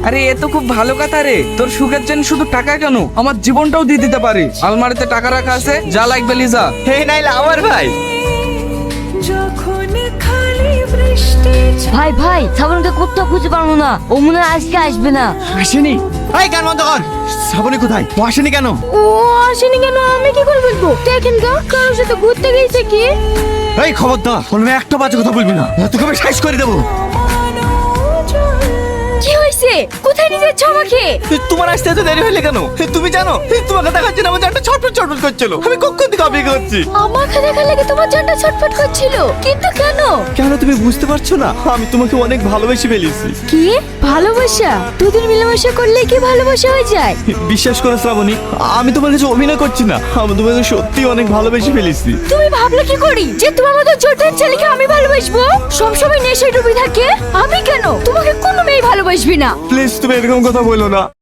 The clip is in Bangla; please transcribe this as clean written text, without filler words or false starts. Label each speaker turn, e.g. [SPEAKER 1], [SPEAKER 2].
[SPEAKER 1] আরে এ তো খুব ভালো কথা রে। তোর সুখের জন্য শুধু টাকা কেন, আমার জীবনটাও দিয়ে দিতে পারি। আলমারিতে টাকা রাখা আছে, যা লাগবে লিজা।
[SPEAKER 2] হে নাইলে আমার ভাই।
[SPEAKER 3] ভাই ভাই শ্রাবণকে কোথাও খুঁজে পারবো না, ও মনে হয় আজকে আসবে না।
[SPEAKER 2] আসেনি? এই গান বন্ধ কর। শ্রাবণী কোথায়? ও আসেনি কেন?
[SPEAKER 3] ও আসেনি কেন আমি কি করে বলবো? দেখেন তো কারোর সাথে ঘুরতে গেছে কি?
[SPEAKER 2] এই খবরদার, বলবে একটা বাজে কথা বলবি না, তোকে আমি সাইজ করে দেবো।
[SPEAKER 3] কি হয়েছে? কোথায় নিয়ে যাচ্ছ আমাকে?
[SPEAKER 2] তোমার আসতে এত দেরি হইলে কেন? তুমি জানো তোমাকে দেখাচ্ছি না, আমার একটা ছটফট ছটফট করছিল। আমি কখন থেকে অপেক্ষা করছি।
[SPEAKER 3] আমাকে দেখার লাগে তোমার জানটা ছটফট করছিল, কিন্তু কেন?
[SPEAKER 2] কেন তুমি বুঝতে পারছো না? আমি তোমাকে অনেক ভালোবেসে ফেলেছি।
[SPEAKER 3] কি ভালোবাসা? দুদিন মিলেমিশে করলে কি ভালোবাসা হয়ে যায়?
[SPEAKER 2] বিশ্বাস করো শ্রাবণী, আমি তোমার কাছে অভিনয় করছি না, আমি তোমাকে সত্যি অনেক ভালোবেসে ফেলেছি।
[SPEAKER 3] তুমি ভাবলে কি করি যে তোমার মতো ছোটের ছেলেকে আমি ভালোবাসবো? সবসময় নেশায় ডুবে থাকে। আমি কেন? তোমাকে কোনো মেয়ে ভালোবাসবি না।
[SPEAKER 2] প্লিজ তুমি এরকম কথা বলো না।